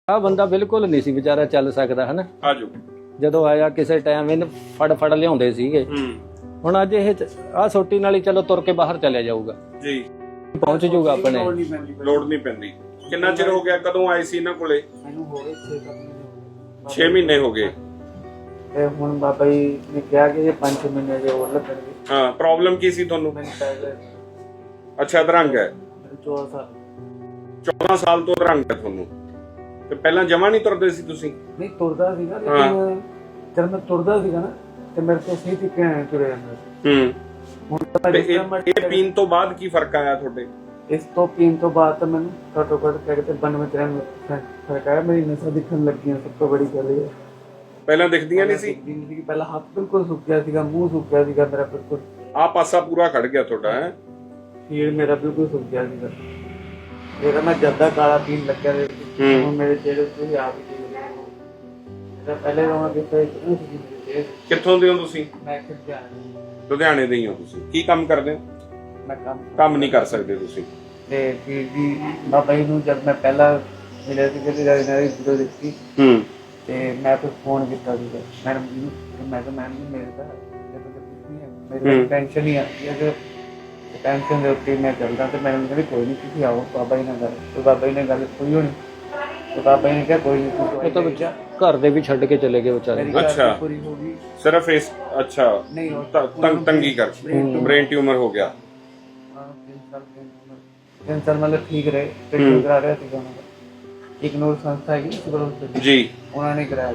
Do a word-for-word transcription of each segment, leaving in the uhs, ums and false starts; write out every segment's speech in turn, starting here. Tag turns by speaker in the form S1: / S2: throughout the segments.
S1: ਆ ਬੰਦਾ ਬਿਲਕੁਲ ਨਹੀਂ ਸੀ ਵਿਚਾਰਾ ਚੱਲ ਸਕਦਾ ਹੈ ਨਾ।
S2: ਆਜੋ
S1: ਜਦੋਂ ਆਇਆ ਕਿਸੇ ਟਾਈਮ ਇਹਨੂੰ ਫੜ ਫੜ ਲਿਆਉਂਦੇ ਸੀਗੇ। ਹੁਣ ਅੱਜ ਇਹ ਆ ਸੋਟੀ ਨਾਲ ਹੀ ਚਲੋ ਤੁਰ ਕੇ ਬਾਹਰ ਚਲਿਆ ਜਾਊਗਾ
S2: ਜੀ,
S1: ਪਹੁੰਚ ਜਾਊਗਾ ਆਪਣੇ।
S2: ਲੋੜ ਨਹੀਂ ਪੈਂਦੀ। ਕਿੰਨਾ ਚਿਰ ਹੋ ਗਿਆ, ਕਦੋਂ ਆਏ ਸੀ ਇਹਨਾਂ ਕੋਲੇ?
S3: ਮੈਨੂੰ ਹੋ ਗਏ
S2: ਛੇ ਮਹੀਨੇ ਹੋ ਗਏ।
S3: ਤੇ ਹੁਣ ਬਾਬਾ ਜੀ ਨੇ ਕਿਹਾ ਕਿ ਇਹ ਪੰਜ ਮਹੀਨੇ ਦੇ ਹੋਰ ਲੱਗਣਗੇ।
S2: ਹਾਂ, ਪ੍ਰੋਬਲਮ ਕੀ ਸੀ ਤੁਹਾਨੂੰ?
S3: ਮੈਨੂੰ ਪਹਿਲੇ
S2: ਅੱਛਾ, ਅਧਰੰਗ ਹੈ।
S3: ਚੌਦਾਂ ਸਾਲ
S2: ਚੌਦਾਂ ਸਾਲ ਤੋਂ ਅਧਰੰਗ ਹੈ ਤੁਹਾਨੂੰ। ਤੇ ਪਹਿਲਾਂ ਜਮਾ ਨਹੀਂ ਤੁਰਦੇ ਸੀ ਤੁਸੀਂ?
S3: ਨਹੀਂ ਤੁਰਦਾ ਸੀਗਾ, ਲੇਕਿਨ ਜਦ ਮੈਂ ਤੁਰਦਾ ਸੀਗਾ ਨਾ ਤੇ ਮੇਰੇ ਤੋਂ ਸਹੀ ਤਰੀਕੇ ਨਾਲ ਤੁਰਿਆ ਜਾਂਦਾ ਸੀ।
S2: ਹੂੰ।
S3: ਹੁਣ ਤਾਂ
S2: ਤੇ ਇਹ ਇਹ ਪੀਣ ਤੋਂ ਬਾਅਦ ਕੀ ਫਰਕ ਆਇਆ ਤੁਹਾਡੇ?
S3: ਇਸ ਤੋਂ ਪੀਣ ਤੋਂ ਬਾਅਦ ਤਾਂ ਮੈਨੂੰ ਘੱਟੋ ਘੱਟ ਕਹਿੰਦੇ ਬਾਨਵੇਂ ਤਿਰਾਨਵੇਂ ਫਰਕ ਆਇਆ। ਮੇਰੀ ਨਸਾਂ ਦਿਖਣ ਲੱਗੀਆਂ, ਸਭ ਤੋਂ ਬੜੀ ਗੱਲ ਇਹ ਹੈ।
S2: ਪਹਿਲਾਂ ਦਿਖਦੀਆਂ ਨਹੀਂ ਸੀ?
S3: ਜ਼ਿੰਦਗੀ ਪਹਿਲਾਂ ਹੱਥ ਬਿਲਕੁਲ ਸੁੱਕ ਗਿਆ ਸੀਗਾ, ਮੂੰਹ ਸੁੱਕ ਗਿਆ ਸੀਗਾ ਮੇਰਾ ਬਿਲਕੁਲ।
S2: ਆ ਪਾਸਾ ਪੂਰਾ ਖੜ ਗਿਆ ਤੁਹਾਡਾ ਹੈ?
S3: ਫੀਲ ਮੇਰਾ ਬਿਲਕੁਲ ਸੁੱਕ ਗਿਆ ਸੀਗਾ। ਮੇਰਾ ਮੈਂ ਜੱਦਾ ਕਾਲਾ ਪੀਣ ਲੱਗਿਆ ਤੇ ਹੁਣ ਮੇਰੇ ਚਿਹਰੇ ਤੇ ਆਪ ਹੀ ਦੇਖ ਰਹੇ ਹੋ। ਇਹਦਾ ਪਹਿਲੇ ਰੋਣਾ ਕਿਤੇ ਇਤਨਾ ਸੀ ਮੇਰੇ ਚਿਹਰੇ।
S2: ਕਿੱਥੋਂ ਦੇ ਹੋ ਤੁਸੀਂ?
S3: ਮੈਂ ਕਿੱਥੇ ਆਇਆ?
S2: ਲੁਧਿਆਣੇ ਦੇ ਹੀ ਹੋ ਤੁਸੀਂ। ਕੀ ਕੰਮ ਕਰਦੇ ਹੋ?
S3: ਮੈਂ ਕੰਮ
S2: ਕੰਮ ਨਹੀਂ ਕਰ ਸਕਦੇ ਤੁਸੀਂ?
S3: ਤੇ ਫਿਰ ਵੀ ਬਾਬਾ ਜੀ ਨੂੰ ਜਦ ਮੈਂ ਪਹਿਲਾਂ ਮਿਲਿਆ ਸੀ ਕਿ ਇਹਨਾਂ ਦੀ ਵੀਡੀਓ ਦੇਖੀ
S2: ਹੂੰ,
S3: ਤੇ ਮੈਂ ਫਿਰ ਫੋਨ ਕੀਤਾ ਸੀਗਾ ਮੈਡਮ ਜੀ ਨੂੰ। ਮੈਂ ਕਿਹਾ ਮੈਮ ਜੀ ਮੇਰੇ ਤਾਂ ਜਦੋਂ ਤੱਕ ਕੁਝ ਨਹੀਂ ਹੈ, ਮੇਰੀ ਟੈਨਸ਼ਨ ਹੀ ਆਉਂਦੀ ਹੈ ਕਿ ਟੈਨਸ਼ਨ ਦੇ ਉੱਤੇ ਮੈਂ ਚੱਲਦਾ। ਤੇ ਮੈਡਮ ਕਹਿੰਦੇ ਕੋਈ ਨਹੀਂ, ਤੁਸੀਂ ਆਓ ਬਾਬਾ ਜੀ ਨਾਲ ਗੱਲ। ਤੇ ਬਾਬਾ ਜੀ ਨੇ ਗੱਲ ਕੋਈ ਹੋਣੀ ਤੇ ਬਾਬਾ ਜੀ ਨੇ ਕਿਹਾ ਕੋਈ ਨਹੀਂ, ਤੂੰ
S1: ਇਹ ਤਾਂ ਬੱਚਾ ਘਰ ਦੇ ਵੀ ਛੱਡ ਕੇ ਚਲੇ ਗਏ ਵਿਚਾਰੇ।
S2: ਅੱਛਾ,
S3: ਪੂਰੀ ਹੋ ਗਈ।
S2: ਸਿਰਫ ਇਸ ਅੱਛਾ
S3: ਨਹੀਂ
S2: ਤੰਗ ਤੰਗੀ ਕਰਕੇ ਬ੍ਰੇਨ ਟਿਊਮਰ ਹੋ ਗਿਆ।
S3: ਹਾਂ, ਤਿੰਨ ਸਾਲ ਤਿੰਨ ਸਾਲ ਮਤਲਬ ਠੀਕ ਰਹੇ, ਟ੍ਰੀਟਮੈਂਟ ਕਰਾ ਰਿਹਾ ਸੀਗਾ ਉਹਨਾਂ ਦਾ। ਇਗਨੋਰ ਸੰਸਥਾ ਹੈਗੀ ਸਿਵਲ ਹਸਪਤਾਲ
S2: ਜੀ,
S3: ਉਹਨਾਂ ਨੇ ਕਰਾਇਆ।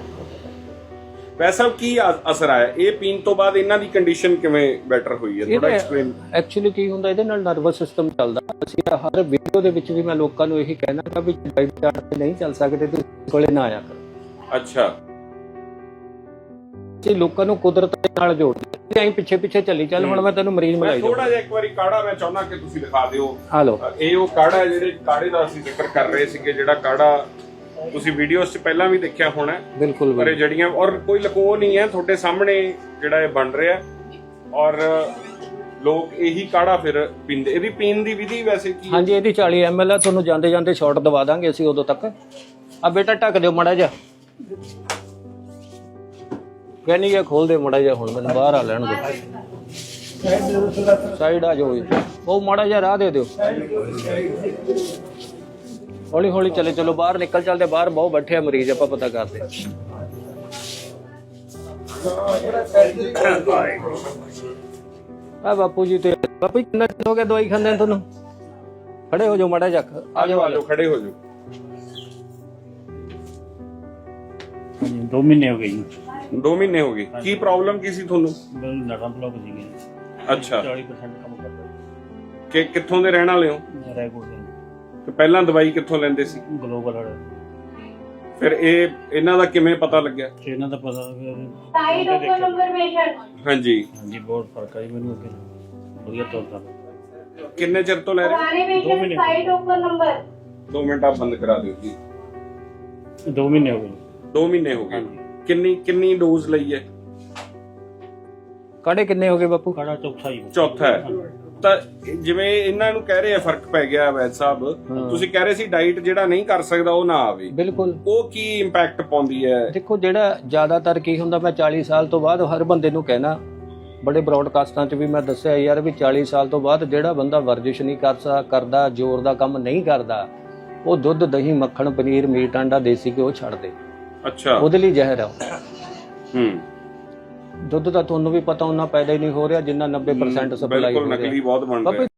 S2: ਵੈਸਾ ਕੀ ਅ- ਅਸਰ ਆਇਆ ਇਹ ਪੀਣ ਤੋਂ ਬਾਅਦ? ਇਹਨਾਂ ਦੀ ਕੰਡੀਸ਼ਨ ਕਿਵੇਂ ਬੈਟਰ ਹੋਈ ਹੈ, ਥੋੜਾ ਐਕਸਪਲੇਨ।
S1: ਐਕਚੁਅਲੀ ਕੀ ਹੁੰਦਾ, ਇਹਦੇ ਨਾਲ ਨਰਵਸ ਸਿਸਟਮ ਚੱਲਦਾ। ਅਸੀਂ ਹਰ ਵੀਡੀਓ ਦੇ ਵਿੱਚ ਵੀ ਮੈਂ ਲੋਕਾਂ ਨੂੰ ਇਹੀ ਕਹਿਣਾ ਕਿ ਵੀ ਡਾਈਟ ਚਾਰਟ ਤੇ ਨਹੀਂ ਚੱਲ ਸਕਦੇ ਤੇ ਕੋਲੇ ਨਾ ਆਇਆ ਕਰੋ।
S2: ਅੱਛਾ,
S1: ਜੀ ਲੋਕਾਂ ਨੂੰ ਕੁਦਰਤ ਦੇ ਨਾਲ ਜੋੜਦੇ ਐਂ ਪਿੱਛੇ ਪਿੱਛੇ ਚੱਲੀ ਚੱਲ। ਹੁਣ ਮੈਂ ਤੈਨੂੰ ਮਰੀਜ਼ ਮਿਲਾਈ
S2: ਥੋੜਾ
S1: ਜਾਊਂ।
S2: ਜਿਹਾ ਇੱਕ ਵਾਰੀ ਕਾੜਾ ਮੈਂ ਚਾਹੁੰਦਾ ਕਿ ਤੁਸੀਂ ਦਿਖਾ ਦਿਓ।
S1: ਹਾਲੋ,
S2: ਇਹ ਉਹ ਕਾੜਾ ਹੈ ਜਿਹੜੇ ਕਾੜੇ ਦਾ ਅਸੀਂ ਜ਼ਿਕਰ ਕਰ ਰਹੇ ਸੀਗੇ, ਜਿਹੜਾ ਕਾੜਾ ਤੁਸੀਂ ਵੀਡੀਓਜ਼ 'ਚ ਪਹਿਲਾਂ ਵੀ ਦੇਖਿਆ ਹੋਣਾ।
S1: ਬਿਲਕੁਲ
S2: ਪਰ ਇਹ ਜੜੀਆਂ ਔਰ ਕੋਈ ਲਕੋ ਨਹੀਂ ਹੈ, ਤੁਹਾਡੇ ਸਾਹਮਣੇ ਜਿਹੜਾ ਇਹ ਬਣ ਰਿਹਾ ਔਰ ਲੋਕ ਇਹੀ ਕਾੜਾ ਫਿਰ ਪੀਂਦੇ। ਇਹਦੀ ਪੀਣ ਦੀ ਵਿਧੀ ਵੈਸੇ ਕੀ?
S1: ਹਾਂਜੀ, ਇਹਦੀ ਚਾਲੀ ਐਮ ਐਲ ਆ। ਤੁਹਾਨੂੰ ਜਾਂਦੇ ਜਾਂਦੇ ਸ਼ਾਟ ਦਵਾ ਦਾਂਗੇ ਅਸੀਂ ਉਦੋਂ ਤੱਕ। ਆ ਬੇਟਾ ਢੱਕ ਦਿਓ ਮਾੜਾ ਜਿਹਾ, ਕਹਿੰਨੀ ਗਿਆ ਖੋਲ ਦੇ ਮਾੜਾ ਜਿਹਾ। ਹੁਣ ਮੈਨੂੰ ਬਾਹਰ ਆ ਲੈਣ ਦਿਓ, ਸਾਈਡ ਆ ਜਾਓ। ਉਹ ਮਾੜਾ ਜਿਹਾ ਰਾਹ ਦੇ ਦਿਓ, ਹੌਲੀ ਹੌਲੀ ਚਲੇ ਚਲੋ। ਬਾਹਰ ਨਿਕਲ ਚੱਲਦੇ, ਬਾਹਰ ਬਹੁਤ ਬੈਠੇ ਆ ਮਰੀਜ਼, ਆਪਾਂ ਪਤਾ ਕਰਦੇ। ਆ ਬਾਪੂ ਜੀ ਤੇ ਬਾਪੂ ਜੀ ਕਿੰਨਾ ਚਿਰ ਹੋ ਗਿਆ ਦਵਾਈ ਖਾਂਦੇ ਤੁਹਾਨੂੰ? ਖੜੇ ਹੋ ਜਾਓ ਮਾੜਾ ਜਿਹਾ, ਆ ਜਾਓ ਆ ਜਾਓ,
S2: ਖੜੇ ਹੋ ਜਾਓ।
S4: ਦੋ ਮਹੀਨੇ ਹੋ ਗਏ ਜੀ।
S2: ਦੋ ਮਹੀਨੇ ਹੋ ਗਏ। ਕੀ ਪ੍ਰੋਬਲਮ ਕੀ ਸੀ ਤੁਹਾਨੂੰ?
S4: ਮੈਨੂੰ ਨਰਮ ਬਲੌਕ ਸੀਗੇ।
S2: ਅੱਛਾ,
S4: ਚਾਲੀ ਪਰਸੈਂਟ ਕੰਮ ਕਰਦਾ
S2: ਕਿ ਕਿੱਥੋਂ ਦੇ ਰਹਿਣ ਵਾਲੇ ਹੋ?
S4: ਰੈਗੂਲਰ
S2: ਤੇ ਪਹਿਲਾਂ ਦਵਾਈ ਕਿੱਥੋਂ ਲੈਂਦੇ ਸੀ?
S4: ਗਲੋਬਲ ਵਾਲਾ।
S2: ਫਿਰ ਇਹ ਇਹਨਾਂ ਦਾ ਕਿਵੇਂ ਪਤਾ ਲੱਗਿਆ?
S4: ਇਹਨਾਂ ਦਾ ਪਤਾ
S5: ਸਾਈਡ ਓਪਨ ਨੰਬਰ ਪੇਸ਼ੈਂਟ।
S2: ਹਾਂਜੀ
S4: ਹਾਂਜੀ, ਬਹੁਤ ਫਰਕ ਆਈ ਮੈਨੂੰ ਅੱਗੇ। ਵਧੀਆ ਤੁਰਦਾ।
S2: ਕਿੰਨੇ ਚਿਰ ਤੋਂ ਲੈ ਰਹੇ?
S5: ਪੁਰਾਣੇ ਪੇਸ਼ੈਂਟ ਸਾਈਡ ਓਪਨ ਨੰਬਰ।
S2: ਦੋ ਮਿੰਟ ਆਪ ਬੰਦ ਕਰਾ ਦਿਓ ਜੀ।
S4: ਦੋ ਮਹੀਨੇ ਹੋ ਗਏ।
S2: ਦੋ ਮਹੀਨੇ ਹੋ ਗਏ। ਕਿੰਨੀ ਕਿੰਨੀ ਡੋਜ਼ ਲਈ ਹੈ?
S1: ਕਾੜੇ ਕਿੰਨੇ ਹੋ ਗਏ ਬਾਪੂ?
S4: ਕਾੜਾ ਚੌਥਾ ਹੀ।
S2: ਚੌਥਾ ਹੈ। ਤਾਂ ਜਿਵੇਂ ਇਹਨਾਂ ਨੂੰ ਕਹਿ ਰਹੇ ਆ ਫਰਕ ਪੈ ਗਿਆ ਵੈਦ ਸਾਹਿਬ, ਤੁਸੀਂ ਕਹਿ ਰਹੇ ਸੀ ਡਾਈਟ ਜਿਹੜਾ ਨਹੀਂ ਕਰ ਸਕਦਾ ਉਹ ਨਾ ਆਵੇ।
S1: ਬਿਲਕੁਲ।
S2: ਉਹ ਕੀ ਇੰਪੈਕਟ ਪਾਉਂਦੀ ਹੈ?
S1: ਦੇਖੋ, ਜਿਹੜਾ ਜ਼ਿਆਦਾਤਰ ਕੀ ਹੁੰਦਾ, ਮੈਂ ਚਾਲੀ ਸਾਲ ਤੋਂ ਬਾਅਦ ਹਰ ਬੰਦੇ ਨੂੰ ਕਹਿਣਾ, ਬੜੇ ਬ੍ਰੌਡਕਾਸਟਾਂ 'ਚ ਵੀ ਮੈਂ ਦੱਸਿਆ ਯਾਰ ਵੀ ਚਾਲੀ ਸਾਲ ਤੋਂ ਬਾਅਦ ਜਿਹੜਾ ਬੰਦਾ ਵਰਜਿਸ਼ ਨਹੀਂ ਕਰ ਸਕ ਕਰਦਾ, ਜ਼ੋਰ ਦਾ ਕੰਮ ਨਹੀਂ ਕਰਦਾ, ਉਹ ਦੁੱਧ ਦਹੀਂ ਮੱਖਣ ਪਨੀਰ ਮੀਟ ਆਂਡਾ ਦੇਸੀ ਘਿਓ ਛੱਡ ਦੇ।
S2: ਅੱਛਾ,
S1: ਉਹਦੇ ਲਈ ਜ਼ਹਿਰ ਆ।
S2: ਹੂੰ।
S1: ਦੁੱਧ ਦਾ ਤੁਹਾਨੂੰ ਵੀ ਪਤਾ ਉਹਨਾਂ ਪੈਦਾ ਹੀ ਨਹੀਂ ਹੋ ਰਿਹਾ ਜਿੰਨਾ ਨੱਬੇ ਪਰਸੈਂਟ ਸਪਲਾਈ ਹੋ
S2: ਬਿਲਕੁਲ
S1: ਰਿਹਾ।
S2: ਨਕਲੀ ਬਹੁਤ ਬਣ ਰਿਹਾ।